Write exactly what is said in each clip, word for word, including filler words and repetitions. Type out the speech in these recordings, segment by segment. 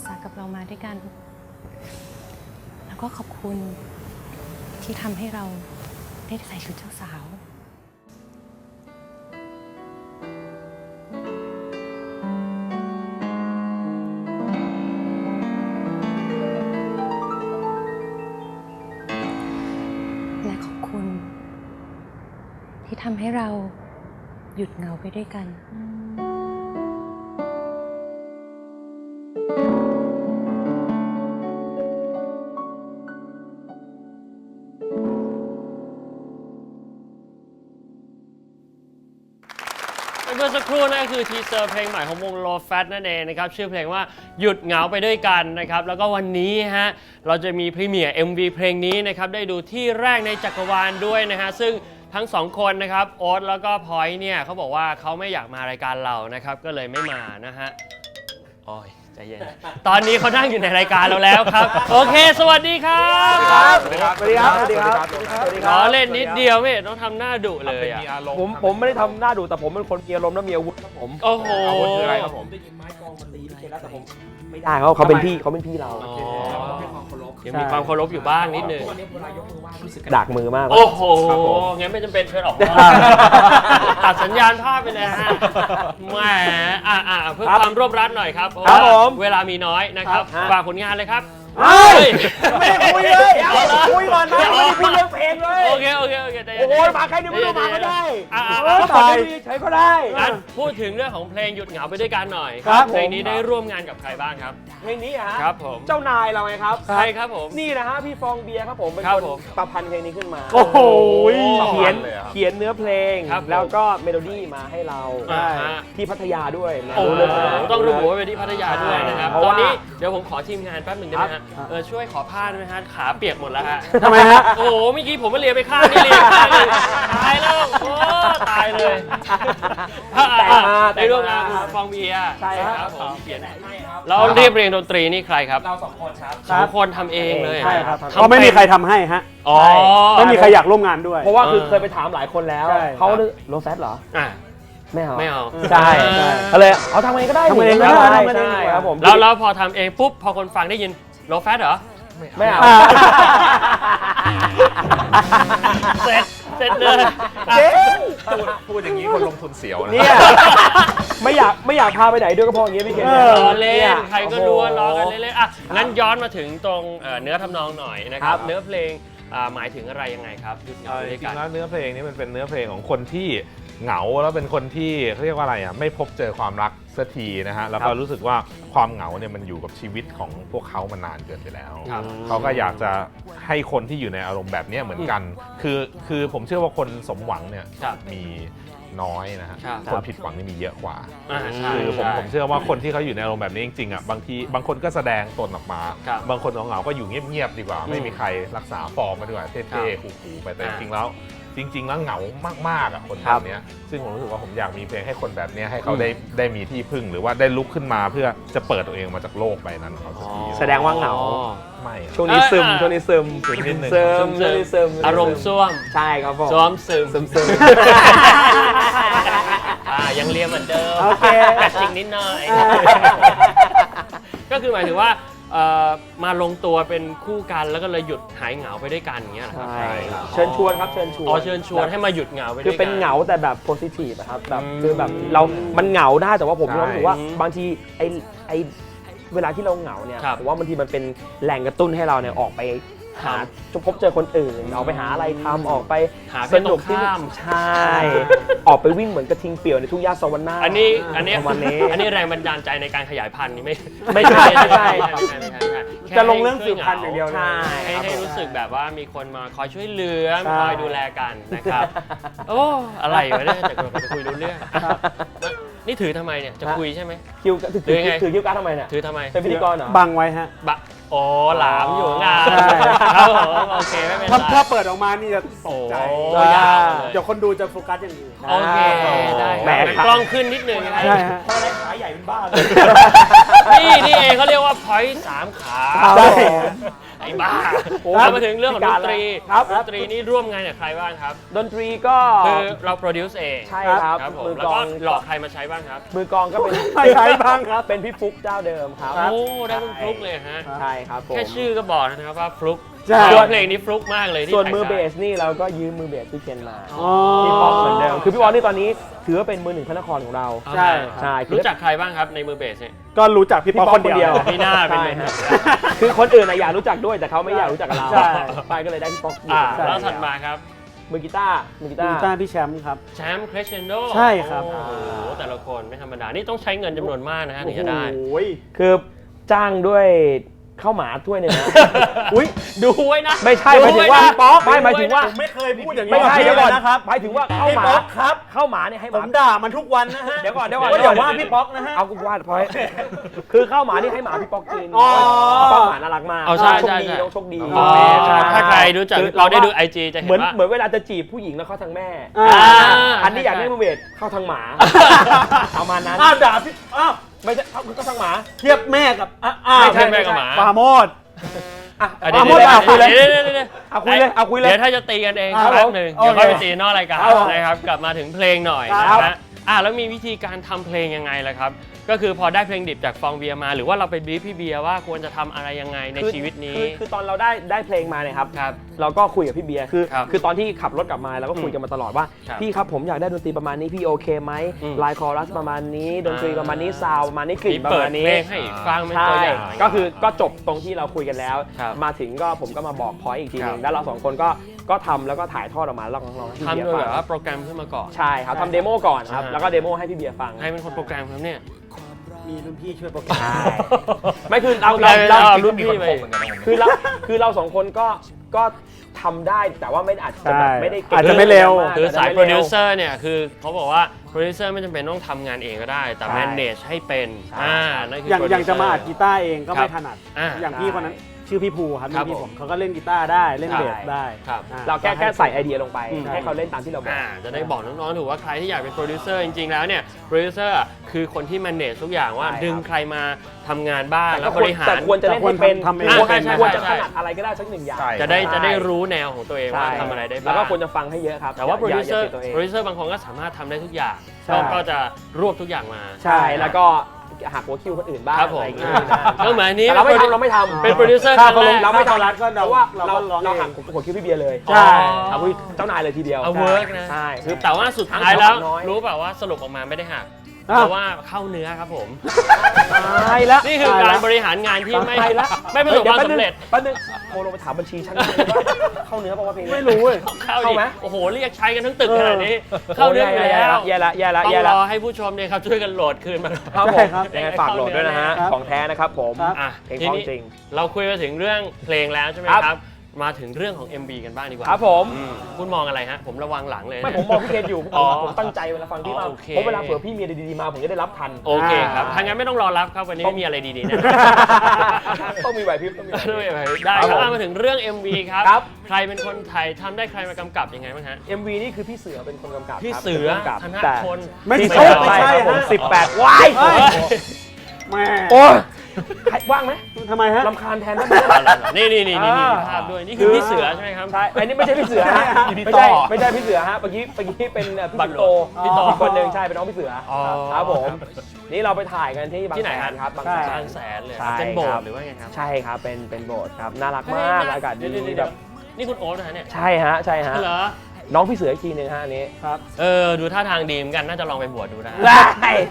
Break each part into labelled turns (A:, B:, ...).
A: สรรคกับเรามาด้วยกันแล้วก็ขอบคุณที่ทำให้เราได้ใส่ชุดเจ้าสาวและขอบคุณที่ทำให้เราหยุดเหงาไปด้วยกัน
B: เมื่อสักครู่นั่นก็คือทีเซอร์เพลงใหม่ของวง Low Fat นั่นเองนะครับชื่อเพลงว่าหยุดเหงาไปด้วยกันนะครับแล้วก็วันนี้ฮะเราจะมีพรีเมียร์ เอ็ม วี เพลงนี้นะครับได้ดูที่แรกในจักรวาลด้วยนะฮะซึ่งทั้งสองคนนะครับโอ๊ตแล้วก็พอยต์เนี่ยเขาบอกว่าเขาไม่อยากมารายการเรานะครับก็เลยไม่มานะฮะโอ้ยใจเย็นตอนนี้เขานั่งอยู่ในรายการเราแล้วครับโอเคสวัสดีครับ
C: สวัสดีครับสวัสดีครับสวัสดีครับสวัสดีค
B: ข
C: รับ
B: อเล่นนิดเดียวไม่ต้องทำหน้าดุเลยอะ
C: ผมผมไม่ได้ทำหน้าดุแต่ผมเป็นคนมีอารมณ์และมีอาวุธครับผม
B: โอ้โห
C: อาวุธคืออะไรครับผมได้ยินไม้กองมาตีพี่แล้วแต่ผมไม่ได้เขาเขาเป็นพี่เขาเป็นพี่เรา
B: ยังมีความเคารพอยู่บ้างนิดนึง
C: ดักมือมาก
B: โอ้โห งั้นไม่จำเป็นเชิญออกมาตัดสัญญาณภาพไปเลยฮะแหมอ่ะอ่ะเพื่อความรวบรัดหน่อยครับเพราะว่าเวลามีน้อยนะครับฝากผลงานเลยครับ
C: เฮ้ยไม่ได้คุยเลยคุยก่อนนะไม่ได้คุยเรื่องเพลงเลย
B: โอเคโอเคโอเคใจเย็น
C: โอ้ยมาใครเนี่ยไม่ต้องมาก็ได้ตายใช้ก็ได้
B: งั้นพูดถึงเรื่องของเพลงหยุดเหงาไปด้วยกันหน่อย
C: ครับ
B: เพลงนี้ได้ร่วมงานกับใครบ้างครับ
C: เพลงนี้ฮะ
B: ครับผม
C: เจ้านายเราไงครับ
B: ใครครับผม
C: นี่นะฮะพี่ฟองเบียร์ครับผมเป็น
B: ครับ
C: คน
B: ผม
C: ประพันธ์เพลงนี้ขึ้นมา
D: โอ้โห
C: เขียนเขียนเนื้อเพลง
B: ครับผม
C: แล้วก็เมโลดี้มาให้เรา
B: อ่าฮะ
C: ที่พัทยาด้วยนะ
B: โอ้โห
C: รู้เลยนะ
B: ต้องระบุว่าเป็นที่พัทยาด้วยนะครับ
C: เพราะ
B: ตอน
C: ว่า
B: นี้เดี๋ยวผมขอทีมงานแป๊บหนึ่งได้ไหมฮะเออช่วยขอผ้าด้วยฮะขาเปียกหมดแล้วฮะ
D: ทำไมฮะ
B: โอ้โหเมื่อกี้ผมมาเลียไปข้างนี่เลียข้างเลยตายแล้วโอ้ตายเลย
C: แต่งมา
B: ได้ร่วมงานคุณฟองเบียร์
C: ใช่ครับ
B: ผมเขียนเราเรียบเรียงดนตรีนี่ใครครับ
C: เราสองคนครับ
B: สองคนทำเองเลย
C: ใช่ครับ
B: ทำ
D: ก็ไม่มีใครทำให้ฮะ
B: อ๋อ
D: ไม่มีใครอยากร่วมงานด้วย
C: เพราะว่าคือเคยไปถามหลายคนแล้ว
D: ใช่
C: เขาโลแฟตเหรอ
B: อ่ะ
C: ไม่เอา
B: ไม่เอา
C: ใช่
B: ใช่
C: ก็เลยเอาทำเองก็ได้
D: ทำเองก็
C: ใช่
D: ได้ทำเอง
C: ใช่ครับผม
B: แล้วแล้วพอทำเองปุ๊บพอคนฟังได้ยินโลแฟตเหรอ
C: ไม่เอา
D: อ่า
B: เสร็จเสร็จเลย
C: เจ๊ง
E: พูดพูดอย่างนี้คนลงทุนเสียวนะ
C: เนี่ยไม่อยากไม่อยากพาไปไหนด้วยก็เพราะอย่างเงี้ยพี่เคน
D: เอ
C: เนี่ย
B: ล้อเล่
C: ย
B: นใครก็รู้ว่าล้อกันเล่นๆอ่ะงั้นย้อนมาถึงตรงเอ่อเนื้อทำนองหน่อยนะครับ
C: ครับ
B: เนื้อเพลงอ่าหมายถึงอะไรยังไงครับหยุดเหงา
E: เอ่อ
B: ไป
E: จ
B: ด้วย
E: ริ
B: กัน
E: งๆแล้วเนื้อเพลงนี้มันเป็นเนื้อเพลงของคนที่เหงาแล้วเป็นคนที่เขาเรียกว่าอะไรอ่ะไม่พบเจอความรักสักทีนะฮะแล้วก็รู้สึกว่าความเหงาเนี่ยมันอยู่กับชีวิตของพวกเขามานานเกินไปแล้ว
B: ครับ
E: เขาก็อยากจะให้คนที่อยู่ในอารมณ์แบบนี้เหมือนกัน คือคือผมเชื่อว่าคนสมหวังเนี่ย
B: ครับ
E: มีน้อยนะฮะ
B: ครับ
E: คนผิดหวังนี่มีเยอะกว่า
B: อ่าใช่
E: คือผม
B: ใช่
E: ผมเชื่อว่าคนที่เขาอยู่ในอารมณ์แบบนี้จริงๆอ่ะบางทีบางคนก็แสดงตนออกมา
B: ครับ
E: บางคนเหงาๆก็อยู่เงียบๆดีกว่า
B: อืม
E: ไม่มีใครรักษาฟอร์มมาดีกว่าเท่ๆคูลๆไปแต่จ
B: อ่า
E: ริงๆแล้ว จริง ๆ แล้วเหงามากๆอ่ะคน
C: ค
E: แบ
C: รับบ
E: เนี้ยซึ่งผมรู้สึกว่าผมอยากมีเพลงให้คนแบบเนี้ยให้เขาได้ได้มีที่พึ่งหรือว่าได้ลุกขึ้นมาเพื่อจะเปิดตัวเองมาจากโลกใบนั้นของเขาสักที
C: แสดงว่าเหงา
B: อ๋อ
E: ไม่อะ
C: ช่วงนี้ซึม
B: เออ
C: ช่วงนี้ซึม
E: ซึมนิดนึง
C: ซึม
B: ซึ
C: ช่วง
B: ม
C: นี้ซึม
B: อารมณ์ซ่วม
C: ใช่ครับผม
B: ซ้อมซึม
C: ซึมซึม
B: อ่ายังเรียนเหมือนเดิม
C: โอเค
B: แต่จริงนิดหน่อย ก็คือหมายถึงว่าเอ่อมาลงตัวเป็นคู่กันแล้วก็เลยหยุดหายเหงาไปด้วยกันอย่างเงี้ยเหรอครับ
C: ใช่ครับเชิญชวนครับเชิญชวน
B: อ๋อเชิญชวนให้มาหยุดเหงาไปด้วย
C: คื
B: กั
C: อเป็นเหงาแต่แบบโพซิทีฟครับแบบ
B: อืม
C: คือแบบเรา มันเหงาได้แต่ว่าผม
E: ใช่
C: รู้สึกว่า
B: อืม
C: บางทีไอไอเวลาที่เราเหงาเนี่ย
B: ครับ
C: ผมว่าบางทีมันเป็นแหล่งกระตุ้นให้เราเนี่ยออกไปหา
B: ครับ
C: จะพบเจอคนอื่นออกไปหาอะไรทำออกไป
B: หาเพ
C: ส
B: ศต
C: นุ
B: ร
C: ก
B: ง
C: ที่
B: ข้าม
C: ใช่ ออกไปวิ่งเหมือนกระทิงเปี่ยวในทุ่งหญ้าสวรรค์
B: อันนี้อันนี้
C: ประมาณนี้
B: อันนี้แรงบันดาลใจในการขยายพันธุ์นี่ไม่
C: ไม่ใช่ไม่ใช่
B: ไม่ใช่ไม่ใช่ไม่ใช่แค่
D: จะลงเรื่องสืบพันธุ์อย่างเดียวเลย
C: ใช่
B: ให้
C: ครับ
B: ให้
C: ผม
B: รู้สึกแบบว่ามีคนมาคอยช่วยเหลือ
D: ใช่
B: คอยดูแลกันนะครับโอ้อะไรวะเนี่ยจะจะคุยรู้เรื่องนี่ถือทำไมเนี่ยจะคุยใช่ไหม
C: คิวถือ
B: หรือไง
C: ถือคิวการ์ดทำไมเนี่ย
B: ถือทำไม
C: เป็นพิธีกรเหรอ
D: บังไว้ฮะ
B: บะโอ้หลามอยู่งาน
D: ใช่
B: ครับผมโอเคไม่เป็นไร
D: ถ้าถ้าเปิดออกมานี่จะตกใจ
B: โอ้ยาวเลย
D: เดี๋ยวคนดูจะโฟกัสอย่างอื่น
B: โอเคได้
C: แหม
B: กล้องขึ้นนิดนึงนะ
D: ใช่ฮะ
C: เพราะอะไรขาใหญ่เป็นบ้าเลย
B: นี่นี่เองเขาเรียกว่าพอยต์สามขา
D: ใช่
B: ไอ้บ้า
C: โอ้
B: เรามาถึงเรื่องของดนตรี
C: ครับ
B: ดนตรีนี่ร่วมงานกับใครบ้างครับ
C: ดนตรีก็
B: คือเราโปรดิวซ์เอง
C: ใช่ครับ
B: ครับผม
C: มือ
B: แล้ว
C: กล
B: ก็
C: อง
B: หลอกใครมาใช้บ้างครับ
C: มือกลองก็เป็น
D: ใครใช้บ้างครับ
C: เป็นพี่ฟุกเจ้าเดิมครับ
B: โอ้ได้คุณฟลุกเลยฮะ
C: ใช่ครับผม
B: แค่ชื่อก็บอกนะครับว่าฟลุก
D: ใช่
B: ชื่อเพลงนี้ฟลุกมากเลยที่
C: ส่วน
B: แต่ง
C: มือเบ
B: ได้
C: สนี่เราก็ยืมมือเบสพี่เคนมา
D: อ๋อ
C: พี่ป๊อกเหมือนเดิมคือพี่ป๊อกนี่ตอนนี้ถือว่าเป็นมือหนึ่งพระนครของเรา
B: เอา
D: ใช่
B: ล่ะ
C: ใช่คือ
B: รู้จักใครบ้างครับในมือเบสเนี่ย
D: ก็รู้จักพี่ป๊อกคนเดียว
B: พี่หน้าเป็น
C: ใช่
B: มือ
C: ฮะ
B: เบส
C: คือคนอื่นอะอยากรู้จักด้วยแต่เขาไม่อยากรู้จักกับเรา
D: ใช่
C: ไปก็เลยได้พี่ป๊อกอยู่
B: อ่า
C: ใช่
B: แล้วถัดมาครับ
C: มือกีตาร์มือกีตา
D: กี
C: ร์
D: ตาร์พี่แชมป์ครับ
B: แชมป์คร e เชนโด
D: ใช่ครับ
B: โอ้โหแต่ละคนไม่ธรรมดา นี่ต้องใช้เงินจำนวนมากนะฮะถึงจะได้
D: โอ้ย
C: คือจ้างด้วยข้าวหมาถ้วยหนึ่งนะ
B: อุ้ยดูไว้นะ
C: ไม่ใช่ห
B: ดู
C: มายถึง
B: ไว้
C: ว่า
B: นะ
C: พี่ป๊อกไม่หมายถึงว่า
D: ผมไม่เคยพูดอย่างนี้
C: ไม่ใช่
D: กับ
C: เดี๋ยวก่อน
D: พี่นะครับ
C: หมายถึงว่าข้าว
D: พี่
C: หมา
D: ป๊อกครับ
C: ข้าวหมาเนี่ยให้ห
D: ผม
C: าม
D: ด่ามันทุกวันนะฮะ
C: เดี๋ยวก่อนเดี๋ยวก่อน
D: ว่าอย่าว่าพี่ป๊อกนะฮะ
C: เอากูวาดพอยคือข้าวหมานี่ให้หมาพี่ป๊อกกิน
D: อ๋อ
C: ป๊อกหมาน่ารักมาก
B: เอาใช่
C: โชค
B: ใช่
C: ดี
B: ใช่
C: น้องโชคดี
B: อ๋อ
C: ใช่
B: ถ้าใครรู้จัก
C: คือ
B: เราได้ดูไอจีจะเห็
C: เหมือน
B: นว่า
C: เหมือนเวลาจะจีบผู้หญิงแล้วเข้าทางแม่
D: อ่า
C: อันนี้อยากได้มือเวทเข้าทางหมาประมาณนั้น
D: อ้าวด่าพี่อ้าว
C: ไม่ใช่เข้าเข้าทางหมา
D: เทียบแม่กับอ่ะอ้าว
B: ไม่ใช่แม่กับหมา
D: ปราโมด
C: อ่ะ
B: อ่ะ
C: เอาหมดเอาคุยเลย
B: ดี๋วดี๋วดี๋วดี๋ว
C: เอาคุยเลยเอาคุยเลย
B: เดี๋ยวถ้าจะตีกันเอง
D: ครับ
B: แป๊บหนึ่ง
D: โอเค
B: เดี๋ยวค่อยไปตีนอกรายการ
C: ครับผม
B: นะครับกลับมาถึงเพลงหน่อย
D: ครั
B: นะ
D: บ
B: ฮะอ่ะแล้วมีวิธีการทำเพลงยังไงล่ะครับ ก็คือพอได้เพลงดิบจากฟองเบียร์มา หรือว่าเราไปบรีฟพี่เบียร์ว่าควรจะทำอะไรยังไงใน
C: คือ
B: ชีวิตนี้
C: คือคือตอนเราได้ได้เพลงมาเนี่ยครับ
B: ครับ
C: เราก็คุยกับพี่เบียร์คือ
B: ครับ
C: คือตอนที่ขับรถกลับมาเราก็คุยกันมาตลอดว่า
B: ครับ
C: พี่ครับผมอยากได้ดนตรีประมาณนี้พี่โอเคไหม
B: อืม
C: ลายคอรัสประมาณนี้ดนตรีประมาณนี้ซาวประมาณนี้กลิ่
B: มี
C: นประ
B: เปิด
C: มาณ
B: เพ
C: นี้
B: ลงให้อีกฟังเป็น
C: ใช่
B: ตัวอย่าง
C: ก็คือก็จบตรงที่เราคุยกันแล้ว
B: ครับ
C: มาถึงก็ผมก็มาบอกพอยอีกทีหนึ
B: ครั
C: ง
B: บ
C: แล้วเราสองคนก็ก็ทำแล้วก็ถ่ายทอดออกมาแล้วลองลองให้พี่
B: ทำ
C: เบีย
B: โด
C: ร์
B: ย
C: ฟั
B: แบ
C: ง
B: บว่าโปรแกรมขึ้นมาก่อน
C: ใช่ครับทำเดโมก่อนครับ
B: อ่า
C: แล้วก็เดโมให้พี่เบียร์ฟัง
B: ให้เป็นคนโปรแกรมครับเนี่ย
D: มีรุ่นพี่ช่วยโปรแกรม
C: ใช่ไม่คือเราเรา
B: เรา
C: เรา
B: รุ่นพี่ไป
C: คือเราคือเราสองคนก็ก็ทำได้แต่ว่าไม่อาจจะแบบ
D: ใช่
C: ไม่ได้เก่ง
D: อาจจะไม่เร็ว
C: มก
B: คือสาย
C: จจะ
B: โปร
C: ไม่
B: ดิว
C: ว
B: เซอร์เนี่ยคือเขาบอกว่าโปรดิวเซอร์ไม่จำเป็นต้องทำงานเองก็ได้ แต่
C: ใช่
B: manage ให้เป็น
C: ใช่
B: อ่านั่นคือ
D: อย่าง
B: โปร
D: อ
B: ดิว
D: ย่าง
B: เซอ
D: จะ
B: ร์
D: มาอัดกีตาร์เองก็
B: ครั
D: ไม่
B: บ
D: ถนัด
B: อ่า
D: อย่างพี่คนนั้นชื่อพี่ภูครับ
B: ครับ
D: พี่
B: ผม
D: ผมเขาก็เล่นกีตาร์ได้เล่น
B: ครับ
D: เบสได้
B: ครับ
D: อ่
C: เราแค่แค่ใส่ไอเดียลงไป
D: อืม
C: ให้เขาเล่นตามที่เราบอก
B: อ่าจะได้บอกน้องๆถูกว่าใครที่อยากเป็นโปรดิวเซอร์จริงๆแล้วเนี่ยโปรดิวเซอร์คือคนที่ manage ทุกอย่างว่า
C: ใช่ครับ
B: ดึงใครมาทำงานบ้าง
C: แต่
B: แล้ว
C: ก็
B: บ
C: ควร
B: ริหาร
C: แต่ควรจะเล่นให้เป็น
D: ทำเอง
C: ควร
B: ใช่ใช่
C: ควรจะ
B: ใช่
C: ถนัดอะไรก็ได้สักหนึ่งอย่าง
E: ใช่
B: จะได้
C: ใช่
B: จะได้รู้แนวของตัวเองว่า
C: ใช่
B: ทำอะไรได้บ้าง
C: แล้วก็ควรจะฟังให้เยอะครับ
B: แต่ว่าโปรดิวเซอร์
C: ย่าย่าปิดตัวเอง
B: โปรดิวเซอร์บางคนก็สามารถทำได้ทุกอย่าง
D: ใช่
B: ก็ก็จะรวบทุกอย่างมา
C: ใช่แล้วก็หักหัวคิวคนอื่นบ้าง
B: ครับผม
C: อะไรอย่างเงี้ย
B: ก็เหมือนอันนี้
C: แต่เราไม่ทำเราไม่ทำ
B: เป็นโปรดิวเซอร์
D: ค่า
B: ครั้งแรก
C: เราไม่
D: ค่า
C: ทำ
D: รัดก็
C: เพ
D: เรา
C: ราะว่า
D: เรา
C: เรา
D: ก็ร้อง
C: เรา
D: เอ
C: หัก
D: ง
C: หัวคิวพี่เบียร์เลย
D: ใช่
C: เอาคุยเจ้านายเลยทีเดียว
B: เอาเวิร์กนะ
C: ใช่
B: คือแต่ว่าสุดท้ายแล้ว
C: น้อย
B: รู้เปล่าว่าสรุปออกมาไม่ได้หัก
D: อ้าว
B: เพราะว่าเข้าเนื้อครับผม
C: ตายแล้ว
B: นี่คือการบริหารงานที่ไม่
C: ตายแล้ว
B: ไม่ประสบความสำเร็จ
C: แป๊บนึงโทรลงไปถามบัญชีฉันว่าเข้าเนื้อป่าวว่าเพลงนี้
D: ไม่รู้เว้ย
B: เข้า
C: เข้า
B: ดิ
C: ไหม
B: โอ้โหเรียกใช้กันทั้งตึกขนาดนี้ เข้าเนื้ออยู่แล้ว
C: แย่ละแย่ละ
B: ต้อง
C: แย่
B: ร
C: ละ
B: อให้ผู้ชมเนี่ยครับช่วยกันโหลดคืนมา
C: ครับผ
D: ใช่
C: ม
D: ครับ
C: ยังไงฝากโหลดด้วยนะฮะ
D: ครับ
C: ของแท้นะครับผม
D: ครับ
B: อ่ะ
C: เพลง
B: ที
C: ของ
B: นี้
C: จริง
B: เราคุยมาถึงเรื่องเพลงแล้วใช่ไหม
C: ครับ
B: ครับ มาถึงเรื่องของ เอ็ม วี กันบ้างดีกว่า
C: ครับผม
B: อืมคุณมองอะไรฮะ ผมระวังหลังเลยนะ
C: ไม่ผมมองพี่เคนอยู่
B: อ๋อ
C: ผมตั้งใจเวลาฟังพี่มาก
B: โอเค
C: เพราะเวลาเผื่อพี่มีอะไรดีๆมาผมจะได้รับทัน
B: โอเคครับ
D: อ่า
B: ถ้างั้นไม่ต้องรอรับครับวันนี้ไม่มีอะไรดีๆนะ
C: ต้องมีไหวพริบต้องมีไหวพริบ
B: ได้ได้ครับอ่ะมาถึงเรื่อง เอ็ม วี ครับ
C: ครับ
B: ใครเป็นคนไทยทำได้ใครมากำกับยังไงบ้างฮะ
C: เอ็ม วี นี่คือพี่เสือเป็นคนกำกับ
B: พี่
C: ครับ
B: เสือ
C: ป็นผู้กำกับ
B: ธน
C: แต่
B: พล
D: ไม่
C: พี่
D: ใช่
C: เสือ
D: ไม่ใช่
C: ครับผม
D: ฮะ
C: สิบแปดว้าย
D: เฮ้ย แม่
C: โอ้ยใครว่างไหม
D: ทำไมฮะ
C: ลำคาญแทนได้ไหม
B: นี่นี่นี่นี่มี
C: อ่า
B: ภาพด้วย นี่คือพี่เสือใช่ไหมครับ
C: ใช่อันนี้ไม่ใช่พี่เสือฮะ
E: พี่
C: ไม่
E: ต่
C: ใช่
E: อ
C: ไม่ใช่พี่เสือฮะเมื่อกี้เมื่อกี้เป็นเอ่อพี่
B: บั
C: สิ
B: ต
C: ง
B: ร
C: โต
B: พี่ต่อ
C: อีกคนหนึ่งใช่เป็นน้องพี่เสือ
B: อ๋อ
C: ครับผมนี่เราไปถ่ายกันที่บาง
B: ที่ไหน
C: แส
B: ฮะ
C: นครับบาง
D: ใช่
C: แส
B: บาน งแสนเลย
C: ใช่
B: เป็นโบส
C: ครั
B: ถ์
C: บ
B: หรือว่าไงครับ
C: ใช่ครับเป็นเป็นโบสถ์ครับน่ารักมากอากาศดี
B: เดี๋ยวๆๆ
C: แบบ
B: นี่คุณโอ๊ตนะฮะเนี่ย
C: ใช่ฮะใช่ฮะ
B: เหรอ
C: น้องพี่เสืออีกทีหนึงฮะอันนี้
D: ครับ
B: เออ ดูท่าทางดีเหมือนกัน น่าจะลองไปบวชดูนะฮะ
C: ได้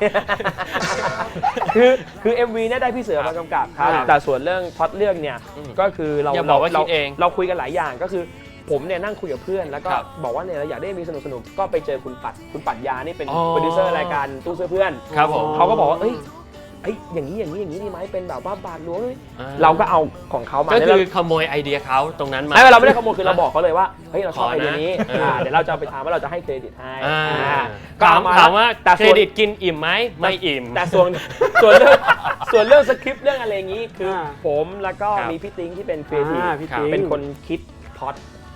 C: คือคือ เอ็ม วี เนี่ยได้พี่เสือมากำกับครับ
B: ครับ
C: แต่ส่วนเรื่องพล็อตเรื่องเนี่ย
B: อืม
C: ก็คือเรา
B: อย่าบอกว่า
C: เรา
B: คิดเอง
C: เราคุยกันหลายอย่างก็คือผมเนี่ยนั่งคุยกับเพื่อนแล้วก็
B: ครับ
C: บอกว่าเนี่ยเราอยากได้มีสนุกสนุกๆก็ไปเจอคุณปัดคุณปัดยานี่เป็น
B: อ๋อ
C: โปรดิวเซอร์รายการตู้เสื้อเพื่อน
B: ครับผม
C: เขาก็บอกว่าเอ้ยเอ้ยอย่างนี้อย่างนี้อย่างนี้ดีไหมเป็นแบบว่าบาทหลวง
B: อ่า
C: เราก็เอาของเขามา
B: ก็
C: แล้ว
B: คื
C: เรา
B: อขโมยไอเดียเขาตรงนั้นมา
C: ไม่เราไม่ได้ขโมยคือเราบอกเขาเลยว่าเฮ้ยเราชอบ
B: ขอ
C: ไอ
B: นะ
C: เดียนี้
B: เอออ่
C: าเดี๋ยวเราจะเอาไปทำว่าเราจะให้เครดิตให้
B: อ่า
C: อ่า
B: ถาม
C: เอ
B: ถามว่า
C: แต่
B: เคร
C: ส่วน
B: ดิตกินอิ่มไหมไม่อิ่ม
C: แต่ส่วนส่วนเรื่องส่วนเรื่องสคริปต์เรื่องอะไรอย่างนี้คืออา ผมแล้วก็
B: ครับ
C: มีพี่ติ้งที่เป็นครีเอทีฟ
D: อ่าพี่ติ๊ง
C: เป็นคนคิดพล็อต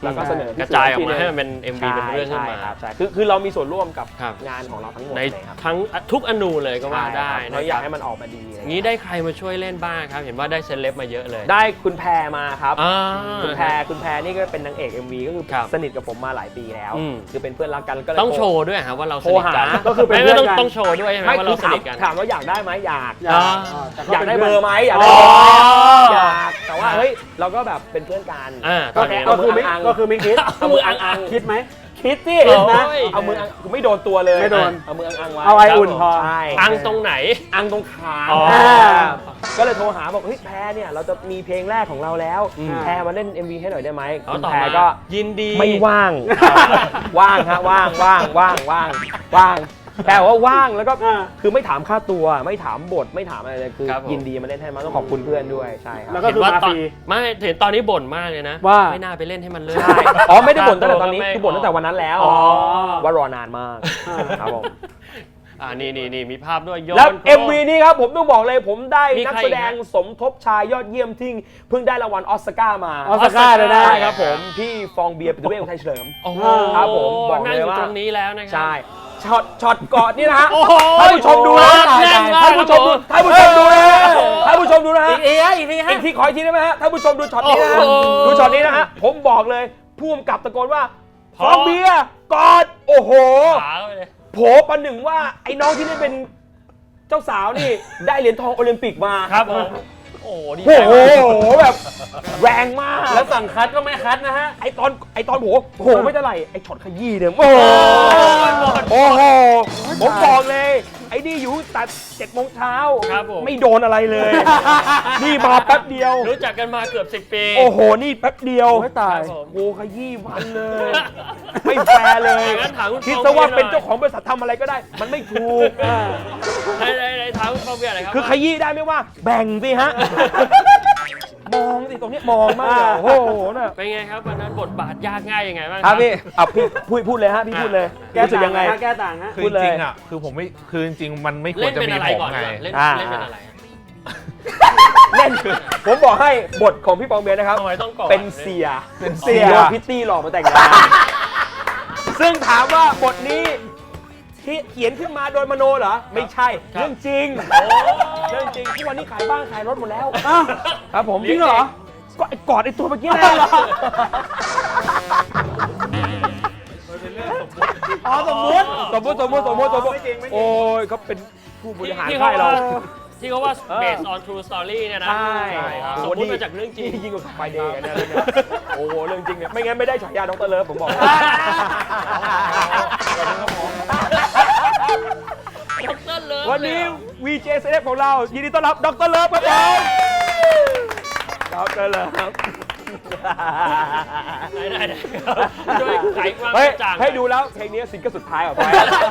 C: แล้วก็เสนอพี่
B: กระจายออก
C: ที
B: มา
C: นึง
B: ให้มันเป็น เอ็ม วี เป็นเรื่องขึ้นมา
C: ใช่ครับใช่คือคือเรามีส่วนร่วมกับ
B: ครับ
C: งานของเราทั้งหมด
B: ใน
C: เลยครับ
B: ทั้งทุกอนูเลยก็ว่าได้
C: ใช่ครับ
B: นะ
C: เรา
B: ค
C: อยา
B: รั
C: ก
B: บ
C: ให้มันออกมาดีอะไร
B: งี้ได้ใครมาช่วยเล่นบ้างครับ เห็นว่าได้เซเลบมาเยอะเลย
C: ได้คุณแพรมาครับ
B: อ่า
C: คุณแพรคุณแพรนี่ก็เป็นนางเอก เอ็ม วี ก็คือ
B: ครับ
C: สนิทกับผมมาหลายปีแล้ว
B: อืม
C: คือเป็นเพื่อนรักกันก็เลย
B: ต้อง
C: โทร
B: โชว์ด้วยครับว่าเราส
C: โทร
B: นิทกัน
C: หาก็คือเป็น
B: ไม่ไม่ต้อง
C: เพื่อนกัน
B: ต้องโชว์ด้วยใช่ไหม
C: ไม่
B: ว่า
C: คื
B: เรา
C: อ
B: ส
C: ถาม
B: นิทกัน
C: ถามว่าอยากได้ไหมอยาก
D: อยาก
B: อ่า
D: แต่
C: อยากได้เบอร์ไหมอยาก
B: อ๋
C: ได้
B: อ
C: อยากแต่ว่าเฮ้ยเราก็แบบเป็นเพื่อนกัน
B: อ่าต
C: ก็
B: อน
C: แค่
B: นี้
C: เอา
D: ก็
C: มื
D: คือ
C: อ
D: ไม่
C: อัง
D: ก็คือไม่คิด
C: เอามืออังอัง
D: คิดไหม
C: คิดสิ
B: โอ้ย
C: นะเอามืออังไม่โดนตัวเลย
D: ไม่โดน
C: เอามืออังอังไว้
D: เอาไออุ่นพอ
C: ใช่
B: อังตรงไหน
C: อังตรงขา
B: อ๋อ
C: ก็เลยโทรหาบอกเฮ้ยแพรเนี่ยเราจะมีเพลงแรกของเราแล้ว
B: อืม
C: แพรมาเล่น เอ็ม วี ให้หน่อยได้ไหม
B: เขา
C: คุณ
B: ตอบ
C: แพร
B: มา
C: ก็
B: ยินดี
C: ไม่ว่าง ว่างฮะว่างว่างว่างว่างว่างแพรบอกว่าว่างแล้วก็
D: อ่า
C: คือไม่ถามค่าตัวไม่ถามบทไม่ถามอะไรเลยคือ
B: ครับผม
C: ยินดีมาเล่นให้มาต้องขอบคุณเพื่อนด้วยใช่ครับ
D: แล้วก็
B: เห็นว่าตอน
D: คือมาฟรี
B: ไม่เห็นตอนนี้บ่นมากเลยนะ
D: ว่า
B: ไม่น่าไปเล่นให้มันเลย
C: ใช่อ๋อไม่ได้บ่นตั้งแต่ตอนนี้
B: ไม่
C: คือบ่นตั้งแต่วันนั้นแล้ว
B: อ๋อ
C: ว่ารอนานมาก
D: อ่า
C: ครับผม
B: อ่านี่นี่นี่มีภาพด้วยย้อน
C: แล้ว
B: โปร
C: เอ็ม วี นี้ครับผมต้องบอกเลยผมได้
B: มี
C: นัก
B: ใคร
C: แสดง
B: อีกฮะ
C: สมทบชายยอดเยี่ยมที่เพิ่งได้รางวัลออสการ์มา
D: ออสการ์เลยนะ
C: ใช่ครับผมพี่ฟองเบียร์ปิตุเวศอุทัยเฉลิม
B: โอ้โห
C: ครับผมบอกเลย
B: นั่งอยู่
C: ว่า
B: ตรงนี้แล้วนะครั
C: ใช่ช็อตช็อตกอดนี่นะฮะ
B: โอ้โห
C: ท่านผู้ชมดูนะ
B: แน่นมาก
C: ท่านผู้ชมดูท่านผู้ชมดูนะฮะท่านผู้ชมดูนะฮะ
B: อีกทีฮะอีกทีฮะ
C: อีกทีขออีกทีได้ไหมฮะท่านผู้ชมดูช็อตนี้นะฮะ
B: โอ้โห
C: ดูช็อตนี้นะฮะผมบอกเลยผู้กำกับตะโกนว่า
B: พ
C: ฟ
B: อ
C: องเบียร์กอดโอ้โห
B: ขาเข้าไปเลย
C: โผประหนึ่งว่าไอ้น้องที่ได้เป็นเจ้าสาวนี่ ได้เหรียญทองโอลิมปิกมา
B: ครับผมโอ้โหดี
C: โอ้
B: ใจ
C: โห
B: มาก
C: แบบแรงมาก
D: แล้วสั่งคัดก็ไม่คัดนะฮะ
C: ไอตอนไอตอนโหโอ้โหไม่เท่าไหร่ไอช็อตขยี้เนี่ยโอ้โหโอ้โหผมบอกเลย ไอ้นี่อยู่แต่เจ็ดโมงเช้า
B: ครับผม
C: ไม่โดนอะไรเลย นี่มาแป๊บเดียว
B: รู้จักกันมาเกือบสิบปี
C: โอ้โห นี่แป๊บเดียว
D: โอ้ยตาย
B: ครับผม
C: โอ้ขยี้มันเลย ไม่แฟร์เลย
B: งั้นถามคุณ
C: คิด
B: ฟอง
C: ซะว่า
B: เบียร์หน่อย
C: เป็นเจ้าของบริษัททำอะไรก็ได้ มันไม่ถูก
B: ในในในทางคุณฟองเบียร์อะไรครับ
C: คือขยี้ได้ไหมว่า แบ่งสิฮะ มองสิตรงนี้มองมากเลยโอ้โหน่ะ
B: เป็นไงครับวันนั้นบทบาทยากง่ายยังไงบ้าง
C: ครับพี่อ่ะพี่พูดพูดเลยฮะพี่พูดเลย
D: แก้
C: รู้สึก
D: ต่าง
C: ยังไง
D: ฮะแก้ต่างฮะ
E: คือ
C: พู
E: จ
C: ดเลย
E: ริงๆอ่ะคือผมไม่คือจริงๆมันไม่คว
B: เล่
E: ร
B: น
E: จะ
B: เป็น
E: มี
B: อะไร
E: ผม
B: ก่อน
E: ไง
B: ก่อนเล่น
C: อ่า
B: เล่นเป็นอะไรฮะ
C: เล่นผมบอกให้บทของพี่ปองเบียร์นะครับ
B: ทำไมต้องก่อน
C: เป็นเสีย
E: เป็นเสีย
C: โดนพิตตี้หลอกมาแต่งงานซึ่งถามว่าบทนี้ที่เขียนขึ้นมาโดยมโนเหรอ ไม่ใช่
B: ครับ
C: เรื่องจริง
B: โอ้
C: เรื่องจริงทุกวันนี้ขายบ้านขายรถหมดแล้ว
D: อ้าว
C: ครับผม
B: จริงเหรอ
C: ก็ไอ้กอดไอ้ตัวเมื่อกี้แหละ
D: อ๋อสมมติ
C: สมมติสมมติสมมติสมมติ
D: ไม่จริงไม่จริง
C: โอ้ยเขาเป็นผู้บริหาร
B: ที่
C: ค่ายเรา
B: ที่เขาว่า
C: เออ
B: based on true story เนี่ยนะ
C: ใช่
B: สมมติมาจากเรื่องจริง
C: นี่ยิ่งกว่าไฟเดย์เนี่ยเรื่องเนี้ยโอ้โหเรื่องจริงเนี่ยไม่งั้นไม่ได้ฉายาดรเลิฟผมบอก
B: ดอกเตอรเลิฟ
C: วันนี้
B: เลยเหรอ
C: วี เจ เซเลบของเรายินดีต้อนรับดรเลิฟครับผมดรเลิฟ
B: ได้ได้ได้ครับช่วยไขความก
C: เฮ้ย
B: ระจ่าง
C: ให้ดูแล้วเพลงนี้ซิงเกิลสุดท้ายของไป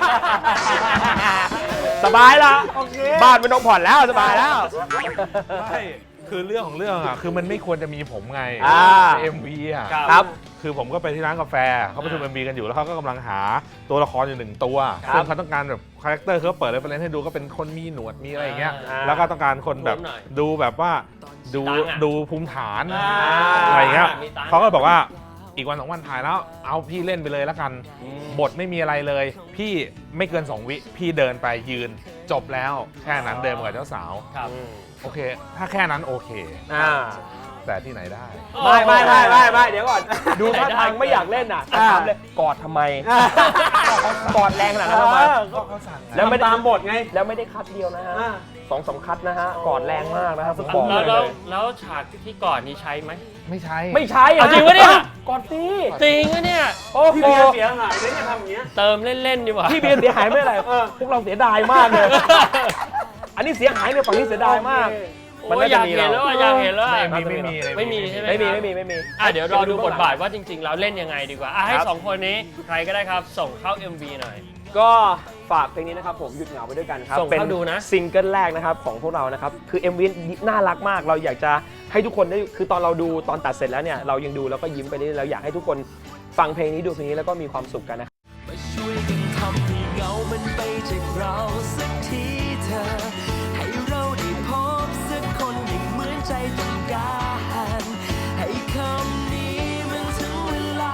C: สบายละ
D: โอเค
C: บ้านไม่ต้องผ่อนแล้วสบายแล้ว
E: ใช่คือเรื่องของเรื่องอ่ะคือมันไม่ควรจะมีผมไง
C: อ่า
E: ใน เอ็ม วี อ่ะ
B: ครับ
C: ครับ
E: คือผมก็ไปที่ร้านกาแฟเขาประชุม
B: อ่า
E: เอ็ม วี กันอยู่แล้วเขาก็กำลังหาตัวละครอยู่หนึ่งตัว
C: ครับ
E: ซึ่งเขาต้องการแบบคาแรคเตอร์เขาเปิดเลยไปเล่นให้ดูก็เป็นคนมีหนวดมีอะไรอย่างเงี้ย
C: อ่า
E: แล้วก็ต้องการคนแบบ
B: หน่อย
E: ดูแบบว่าดู
B: ตังค์อะ
E: ดูภูมิฐาน
B: อ่า
E: อะไรอย่างเงี้ย
B: มีตังค์
E: เขาก็บอกว่าอีกวันสองวันถ่ายแล้วเอาพี่เล่นไปเลยแล้วกัน บทไม่มีอะไรเลย พี่ไม่เกินสองวิพี่เดินไปยืนจบแล้วแค่นั้นเดินมากับเจ้าสาว
B: ครับ
E: โอเค ถ้าแค่นั้นโอเค
C: อ่า
E: แต่ที่ไหนได้
C: ไม่ไม่ไม่ไม่ไม่เดี๋ยวก่อน ดูท่าทางไม่อยากเล่นอ่ะถามเลยกอดทำไม กอดแรงขนาดนั้นทำไม
E: ก็เขาสั่ง
C: แล้วไม่ได้
D: ตามบทไง
C: แล้วไม่ได้คัดเดียวนะฮะ
D: อ่า
C: สองสามคัดนะฮะกอดแรงมากนะครับผมบอก
B: แล้ว
C: เล
B: แล้ว
C: ย
B: แล้วฉากที่ก่อนนี้ใช้ไหม
E: ไม่ใช่
C: ไม่ใช่
B: เอาจริงปะเนี่ย
C: กอดสิ
B: จริงอะเนี่ย
C: โอ้
D: พี่
C: โห
D: เบียร์เสียหายเลยเนี่ยทำอย่างเงี้ย
B: เติมเล่น ๆ ดีกว่า
C: พี่เบียร์เสียหายไม่อะไร
D: เออ
C: พวกเราเสียดายมากเลย อันนี้เสียหายเนี่ยฝั่งนี้เสียดายมาก
B: โอ้ยอยากเห็นแล้วอะอยากเห็นแล้วอะ
E: ไม่มีไม่มี
B: ไม่มีใช่ไหม
C: ไม่มี
B: ครับ
C: ไม่มีไม่มี
B: อ่ะเดี๋ยวรอดูบทบาทว่าจริง ๆ แล้วเล่นยังไงดีกว่าอ่ะให้
C: ครับ
B: สองคนนี้ใครก็ได้ครับ ส่งเข้า เอ็ม วี หน่อย
C: ก็ฝากเพลงนี้นะครับผมหยุดเหงาไปด้วยกันครับ
B: ส่งเข้าดูนะ
C: ซิงเกิลแรกนะครับของพวกเรานะครับคือ เอ็ม วี น่ารักมากเราอยากจะให้ทุกคนได้คือตอนเราดูตอนตัดเสร็จแล้วเนี่ยเรายังดูแล้วก็ยิ้มไปเรื่อยๆเราอยากให้ทุกคนฟังเพลงนี้ดูเพลงนี้แล้วก็มีความสุขกันนะครับ
F: มาช่วยกันทำให้เงามันไปจากเราสักทีเธอ ให้เราได้พบสักคนอย่างเหมือนใจต้องการ ให้คำนี้มันถึงเวลา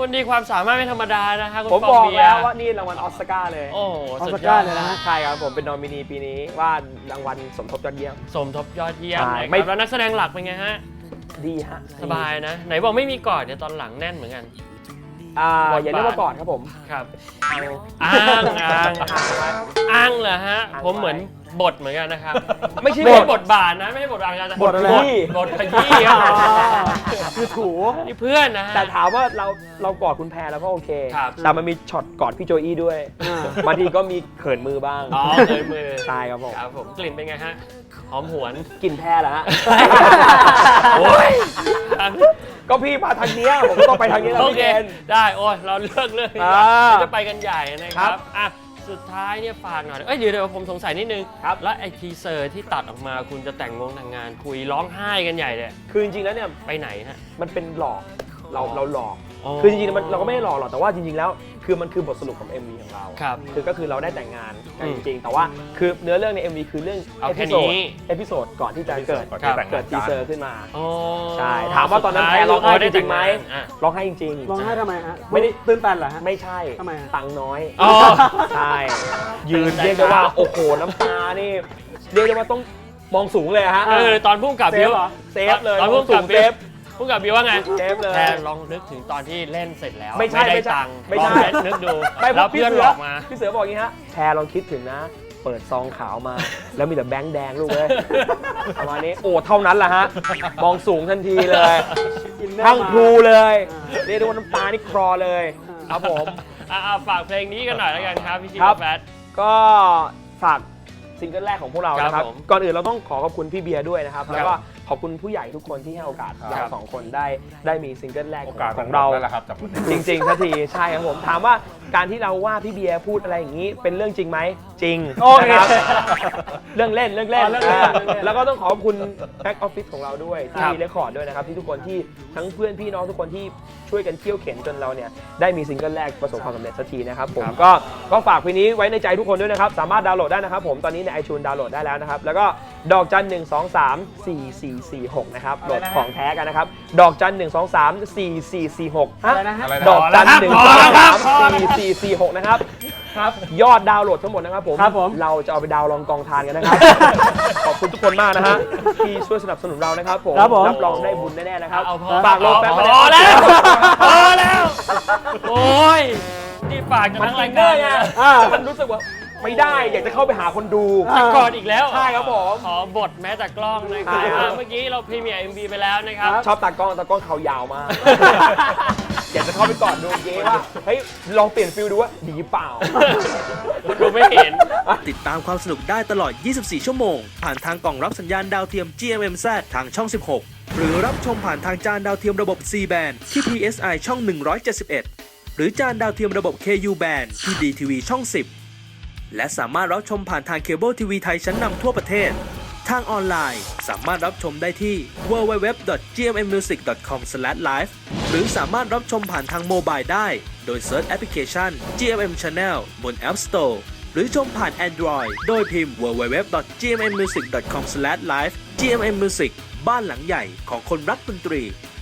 B: คนดีความสามารถไม่ธรรมดานะคะคุณ
C: ผม
B: ฟง
C: บอก
B: เบีย
C: แล้ว
B: ร์
C: ว่านี่รางวัลออสการ์เลย
B: โอ้โห
D: ออ
B: สุ
D: ส
B: ดย
D: กา
B: อ
D: ร์
B: ด
D: เลยนะฮะ
C: ใช่ครับผมเป็นนอมินีปีนี้ว่ารางวัลสมทบยอดเยี่ยม
B: สมทบยอดเยี่ยม
C: ใช่
B: นะค
C: ไม่
B: รับแล้วนักแสดงหลักเป็นไงฮะ
C: ดีฮะ
B: สบายนะ ไหนบอกไม่มีกอดเดี๋ยวตอนหลังแน่นเหมือนกัน
C: อ่า
B: บทบาท
C: อย่าเรียกว่าก่อนครับผม
B: ครับอ้างอ้างอ้างเหรอฮะ
C: อ้าง
B: ผมเหมือนบทเหมือนกันนะครับ
C: ไม่ใช่
B: ไม่
C: บ
B: ใช่
C: ท
B: บทบาทนะไม่ใช่บทบาทการ
C: บทอะไร
B: บทบทขยี้ครับ
C: คือถู
B: นี่เพื่อนนะฮะ
C: แต่ถามว่าเราเรากอดคุณแพรแล้วก็โอเค
B: ครับ
C: แต่มันมีช็อตกอดพี่โจอี้ด้วย
D: อ่า
C: บางทีก็มีเขินมือบ้าง
B: อ๋อเลยมือ
C: ใช่ครับผม
B: ครับผมกลิ่นเป็นไงฮะหอมหวน
C: กลินแพรเหรอฮะ
B: โอ้ยครับ
C: ก็พี่มาทางเนี้ยผมก็ต้องไปทางนี้แล้ว
B: โอ
C: พี่
B: เค
C: เคน
B: ได้โอ้ยเราเลือกเรื่องนี้
C: อ่า
B: เดี๋ยวจะไปกันใหญ่นะค
C: ครั
B: รับบ อ่ะสุดท้ายเนี่ยฝากหน่อยเอ้ยเดี๋ยวเดี๋ยวผมสงสัยนิดนึง
C: ครับ
B: แล้วไอ้ทีเซอร์ที่ตัดออกมาคุณจะแต่งงงแต่งงานคุยร้องไห้กันใหญ่เลย
C: คือจริงๆแล้วเนี่ย
B: ไปไหนฮะ
C: มันเป็นหลอกเรา
B: อ๋อ
C: เราหลอก
B: อ๋อ
C: คือจริงๆมันเราก็ไม่ได้หลอกหรอกแต่ว่าจริงๆแล้วคือมันคือบทสรุปของ เอ็ม วี ของเรา
B: ครับ
C: คือก็คือเราได้แต่งงานกัน
B: อื
C: จ
B: ม
C: ริงๆ แต่ว่าคือเนื้อเรื่องใน เอ็ม วี คือเรื่อง
B: เอา
C: เอ
B: แค่
C: พิโซด
B: นี้
C: เอพิโซดก่อนที่จะเกิด
E: ก่อนที่แต่ง
C: เกิ
E: งา
C: ด
E: น
C: ทีเซอร์ขึ้นมา
B: อ๋อ
C: ใช่ถามว่าตอนนั้นแพรร้องไห้จริงๆไหม
B: อ่ะ
C: ร้องไห้จริง
D: ร้องไห้ทำไมฮะ
C: ไม่ได้
D: ตื้นตันเหรอฮะ
C: ๆ ไม่ใช่
D: ทำไมฮะ
C: ตังค์น้อย
B: อ๋อ
C: ใช่ ยืนเรียกได้ว่าโอ้โหน้ำตานี่เรียกได้ว่าต้องมองสูงเลยอะฮะ
B: เออตอนพุ่งกับ
C: เซ
B: บิ
C: ฟ
B: ว
C: เหรอเซฟเลย
B: ตอนพุ่ง
C: สู
B: กับ
C: ง
B: บิ
C: เซ
B: ว
C: ฟ
B: พุ่งกับบิวว่าไง
C: เซฟเลย
B: แค่ลองนึกถึงตอนที่เล่นเสร็จแล้ว
C: ไม่ใช่
B: ได้
C: ไม่ใช่
B: ตังค์
C: ไม่ใช่
B: ลองเล่นนึกดู
C: ไม่เพ
B: แล้ว
C: ราะพี่
B: เพื่อน
C: เสื
B: หล
C: อ
B: อกมา
C: พี่เสือบอกอย่างนี้ฮะแพรลองคิดถึงนะ เปิดซองขาวมา แล้วมีแต่แบงค์แดงลูกเลยประมาณนี้โอ้เท่านั้นแหละฮะมองสูงทันทีเลย
D: อินเนอร์
C: ทั้งครูเลย
D: อ่า
C: เรียกได้ว่าน้ำตานี่คลอเลยครับผม
B: อ่ะอ่ะฝากเพลงนี้กันหน่อยแล้วกันครับพี่ชิ
C: ครับ
B: แฟต
C: ก็ฝากซิงเกิลแรกของพวกเรานะค
B: ครั
C: รั
B: บบ ผม
C: ก่อนอื่นเราต้องขอขอบคุณพี่เบียร์ด้วยนะครับ
B: ครับ
C: แล้วก็ขอบคุณผู้ใหญ่ทุกคนที่ให้โอกาส
E: ครับ
C: เราสองคนได้ได้มีซิงเกิลแรก
E: โอ
C: ของ
E: กาส
C: ของเรา
E: ได้แล้วครับจากวันนี้
C: จริงๆสักทีใช่ครับผมถามว่าการที่เราว่าพี่เบียร์พูดอะไรอย่างนี้เป็นเรื่องจริงไหมจริง
D: โอเค
C: นะครับเรื่องเล่นเรื่องเล่น
D: อ๋อเรื่องเล่น
C: อ่า
D: เรื่องเล่น
C: แล้วก็ต้องขอบคุณแบ็กออฟฟิศของเราด้วยที่
B: ครับ
C: มีเรคคอร์ดด้วยนะครับที่ทุกคนที่ทั้งเพื่อนพี่น้องทุกคนที่ช่วยกันเคี่ยวเข็นจนเราเนี่ยได้มีซิงเกิลแรกประสบความสำเร็จสักทีนะครับผมก็ก็ฝากเพลงนี้ไว้ในใจทุกคนด้วยนะครับสามารถดาวน์โหลดได้นะครับผมตอนนี้ใน iTunes ดาวน์โหลดได้แล้วนะครับแล้วก็ดอกจันหนึ่งสองสามสี่สี่สี่หกนะครับโหลดของแท้กันนะครับดอกจันหนึ่งสองสามสี่สี่สี่หก
D: อะไรนะฮะ
E: อะไรนะ
C: ดอกจันหนึ่ง
B: พ
C: ส
B: อ
C: อง
B: แล้วครั
C: สา
B: บ
C: ม
B: พอแล้ว
C: สี่สี่สี่หกนะครับครับยอดดาวน์โหลดทั้งหมดนะครับผม
D: ครับผม
C: เราจะเอาไปดาวน์ลองกองทานกันนะครับ ขอบคุณทุกคนมากนะฮะที่ช่วยสนับสนุนเรานะครับผม
D: ครับผม
C: รับรองได้บุญแน่ๆนะครับ
B: เอาพอ
C: ฝากโลแฟน
B: พ
C: มา
B: อแล้วพอแล้ว โอ้ย นี่ฝากกัน
C: มัน
B: ทั้ง
C: อิ
B: ราย
C: นเน
B: กา
C: อ
B: ร
C: ร์
B: เล
C: ไง
B: ยนะ
C: อ่ามันรู้สึกว่าไม่ได้อยากจะเข้าไปหาคนดู
B: จะกอดอีกแล้ว
C: ใช่ครับผม
B: ขอบทแม้แต่กล้องนะครับ
C: ใช่ครับ
B: อ่ะเมื่อกี้เราพรีเมียร์ เอ็ม วี ไปแล้วนะครับ
C: ชอบตากล้องตากล้องเขายาวมาก อยากจะเข้าไปกอดดูเก๊ว่าเฮ้ยลองเปลี่ยนฟิลดูว่าดีเปล่า
B: คุณดูไม่เห็น
F: ติดตามความสนุกได้ตลอด ยี่สิบสี่ ชั่วโมง ผ่านทางกล่องรับสัญญาณดาวเทียม จี เอ็ม เอ็ม แซด ทางช่อง สิบหก หรือรับชมผ่านทางจานดาวเทียมระบบ ซี แบน ที่ พี เอส ไอ ช่อง หนึ่งร้อยเจ็ดสิบเอ็ด หรือจานดาวเทียมระบบ เค ยู แบน ที่ ดี ที วี ช่อง สิบ และสามารถรับชมผ่านทางเคเบิลทีวีไทยชั้นนำทั่วประเทศ ทางออนไลน์สามารถรับชมได้ที่ ดับเบิลยู ดับเบิลยู ดับเบิลยู ดอท จี เอ็ม เอ็ม มิวสิก ดอท คอม สแลช ไลฟ์ หรือสามารถรับชมผ่านทางโมบายได้ โดยเซิร์ชแอปพลิเคชัน จี เอ็ม เอ็ม Channel บน App Store หรือชมผ่าน Android โดยพิมพ์ ดับเบิลยู ดับเบิลยู ดับเบิลยู ดอท จี เอ็ม เอ็ม มิวสิก ดอท คอม สแลช ไลฟ์ จี เอ็ม เอ็ม Music บ้านหลังใหญ่ของคนรักดนตรี